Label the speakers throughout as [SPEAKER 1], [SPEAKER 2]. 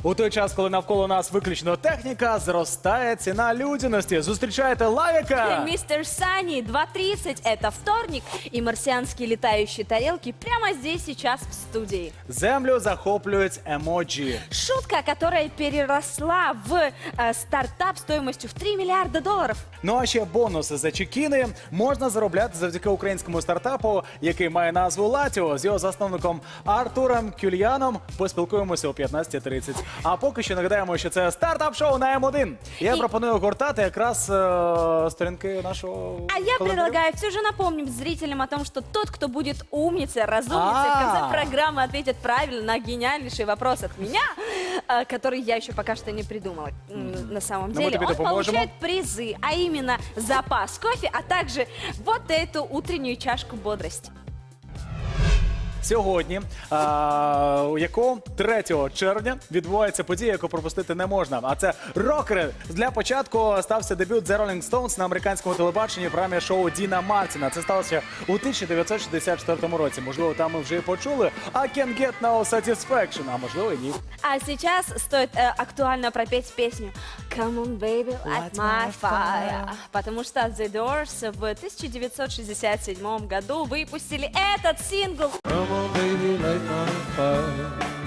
[SPEAKER 1] У той час, коли навколо нас виключно техніка, зростає ціна людяності. Зустрічайте Лавіка!
[SPEAKER 2] Мистер Сани, 2:30, это вторник, и марсианские летающие тарелки прямо здесь сейчас в студии.
[SPEAKER 1] Землю захоплюють емоджі.
[SPEAKER 2] Шутка, которая переросла в стартап стоимостью в $3 миллиарда.
[SPEAKER 1] Ну а ще бонуси за чекіни можна заробляти завдяки українському стартапу, який має назву Латіо. З його засновником Артуром Кюльяном поспілкуємося о 15:30. А поки що нагадаємо, що це стартап-шоу на М1. Я пропоную гортати якраз сторінки нашого
[SPEAKER 2] А я
[SPEAKER 1] календарю.
[SPEAKER 2] предлагаю все же напомнить зрителям о том, что тот, кто будет умницей, разумницей, в конце программы ответит правильно на гениальнейший вопрос от меня, который я еще пока что не придумала на самом
[SPEAKER 1] мы
[SPEAKER 2] деле.
[SPEAKER 1] тебе
[SPEAKER 2] Он
[SPEAKER 1] допоможем.
[SPEAKER 2] получает призы, а именно запас кофе, а также вот эту утреннюю чашку бодрости.
[SPEAKER 1] Сьогодні, якого 3 червня, відбувається подія, яку пропустити не можна. А це рокери. Для початку стався дебют The Rolling Stones на американському телебаченні в програмі шоу Діна Мартіна. Це сталося у 1964 році. Можливо, там ми вже і почули I Can't Get No Satisfaction, а можливо і ні.
[SPEAKER 2] А сейчас стоит актуально пропеть песню Come on, baby, light my fire. Потому что The Doors в 1967 году выпустили этот сингл.
[SPEAKER 3] Come on, baby, light my fire.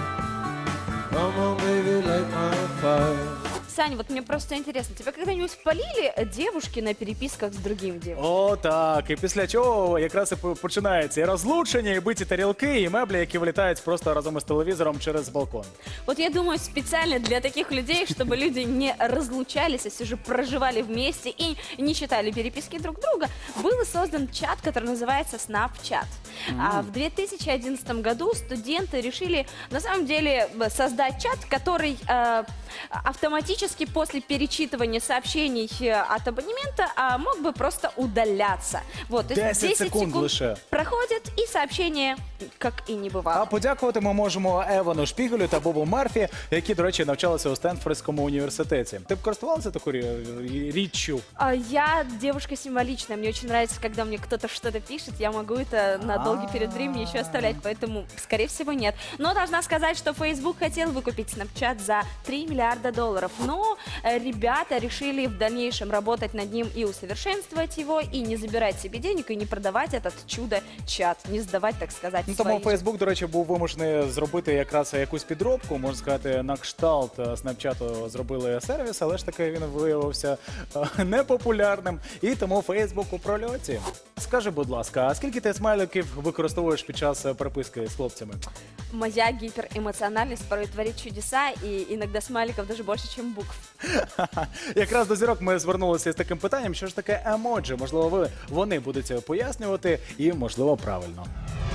[SPEAKER 3] Come on, baby, light my fire.
[SPEAKER 2] Саня, вот мне просто интересно, тебя когда-нибудь палили девушки на переписках с другим девушкой?
[SPEAKER 1] О, так. І після чого якраз і починається і розлучення, і биті тарілки, і меблі, які вилітають просто разом із телевізором через балкон.
[SPEAKER 2] Вот я думаю, специально для таких людей, чтобы люди не разлучались, а все же проживали вместе и не читали переписки друг друга, был создан чат, который называется Snapchat. А в 2011 году студенты решили, на самом деле, создать чат, который автоматически после перечитывания сообщений от абонемента мог бы просто удаляться. Вот, то есть
[SPEAKER 1] 10 секунд лише.
[SPEAKER 2] проходят, и сообщение как и не бывало.
[SPEAKER 1] А подякувати ми можемо Евану Шпігелю та Бобу Мерфі, які, до речі, навчалися у Стенфордському університеті. Ти б користувалася такою річчю?
[SPEAKER 2] Я девушка символичная. Мне очень нравится, когда мне кто-то что-то пишет. Я могу это на долгий период времени еще оставлять, поэтому, скорее всего, нет. Но должна сказать, что Facebook хотел выкупить Snapchat за $3 миллиарда. Но ребята решили в дальнейшем работать над ним и усовершенствовать его, и не забирать себе денег, и не продавать этот чудо-чат, не сдавать, так сказать,
[SPEAKER 1] Ну, тому Фейсбук, до речі, був вимушений зробити якраз якусь підробку, можна сказати, на кшталт Снапчату зробили сервіс, але ж таки він виявився непопулярним, і тому Фейсбук у прольоті. Скажи, будь ласка, а скільки ти смайликів використовуєш під час переписки з хлопцями?
[SPEAKER 2] Моя гиперэмоциональность порой творит чудеса, и иногда смайликов даже больше, чем букв.
[SPEAKER 1] Якраз до зірок ми звернулися з таким питанням, що ж таке емоджі? Можливо, вони будуть пояснювати і, можливо, правильно.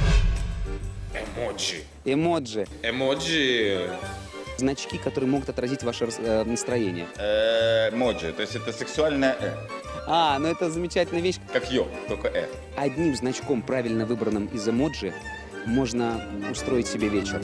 [SPEAKER 4] Эмоджи.
[SPEAKER 5] Эмоджи.
[SPEAKER 4] Эмоджи.
[SPEAKER 5] Значки, которые могут отразить ваше настроение.
[SPEAKER 4] Эмоджи. То есть это сексуальное
[SPEAKER 5] Ну это замечательная вещь.
[SPEAKER 4] Как йо, только
[SPEAKER 5] Одним значком, правильно выбранным из эмоджи, можно устроить себе вечер.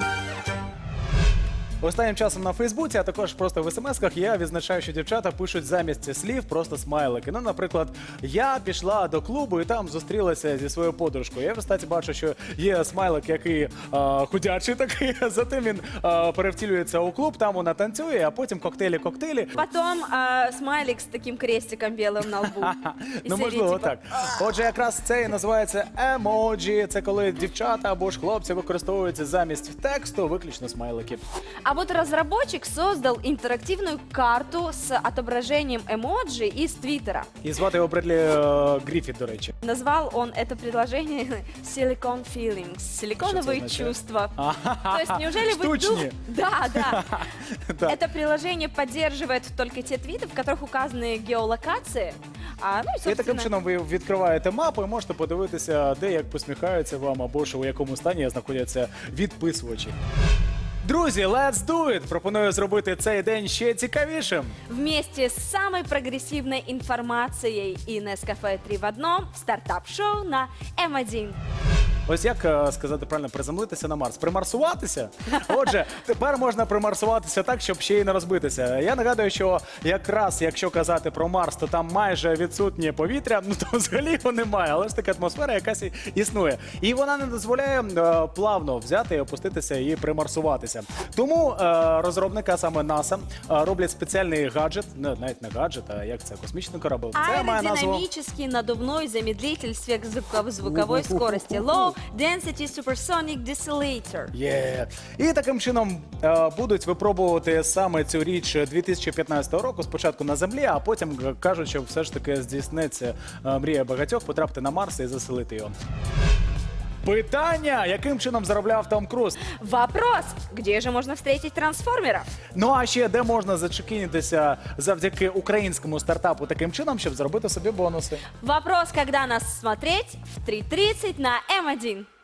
[SPEAKER 1] Останнім часом на Фейсбуці, а також просто в смс-ках я відзначаю, що дівчата пишуть замість слів просто смайлики. Ну, наприклад, я пішла до клубу і там зустрілася зі своєю подружкою. Я в статі бачу, що є смайлик, який худячий такий, затим він перевтілюється у клуб, там вона танцює, а потім коктейлі.
[SPEAKER 2] Потом смайлик с таким крестиком белым на лбу. И
[SPEAKER 1] Ну,
[SPEAKER 2] все
[SPEAKER 1] можливо,
[SPEAKER 2] типа,
[SPEAKER 1] так. Отже, якраз це і називається емоджі. Це коли дівчата або ж хлопці використовують замість тексту виключно смайлики.
[SPEAKER 2] А вот разработчик создал интерактивную карту с отображением эмоджи из Твиттера.
[SPEAKER 1] І звати його Бредлі Гріфіт, до речі.
[SPEAKER 2] Назвал он это приложение Silicon Feelings, силиконовые
[SPEAKER 1] означает?
[SPEAKER 2] чувства. То есть неужели вы
[SPEAKER 1] Штучные.
[SPEAKER 2] Да.
[SPEAKER 1] Да.
[SPEAKER 2] Это приложение поддерживает только те твиты, в которых указаны геолокации. Ну и,
[SPEAKER 1] І таким
[SPEAKER 2] собственно,
[SPEAKER 1] чином ви відкриваєте мапу і можете подивитися, де як посміхаються вам, або ж у якому стані знаходяться відписувачі. Друзі, let's do it! Пропоную зробити цей день ще цікавішим.
[SPEAKER 2] вместе с самой прогрессивной информацией и Nescafe 3 в одном в стартап-шоу на М1.
[SPEAKER 1] Ось як сказати правильно, приземлитися на Марс? Примарсуватися? Отже, тепер можна примарсуватися так, щоб ще й не розбитися. Я нагадую, що якраз якщо казати про Марс, то там майже відсутнє повітря, ну то взагалі його немає, але ж така атмосфера якась існує. І вона не дозволяє плавно взяти і опуститися і примарсуватися. Тому розробники, а саме НАСА, роблять спеціальний гаджет, навіть не гаджет, а як це, космічний корабль. Це має назву...
[SPEAKER 2] Аэродинамический надувной замедлитель сверхзвуковой скорости. Low Density Supersonic Decelerator.
[SPEAKER 1] Є. І таким чином будуть випробувати саме цю річ 2015 року, спочатку на Землі, а потім кажуть, що все ж таки здійсниться мрія багатьох потрапити на Марс і заселити його. Питання, яким чином заробляв Том Круз?
[SPEAKER 2] Вопрос, где же можно встретить трансформеров?
[SPEAKER 1] Ну а ще де можна зачекінитися завдяки українському стартапу таким чином, щоб зробити собі бонуси?
[SPEAKER 2] Вопрос, когда нас смотреть в 3:30 на М1.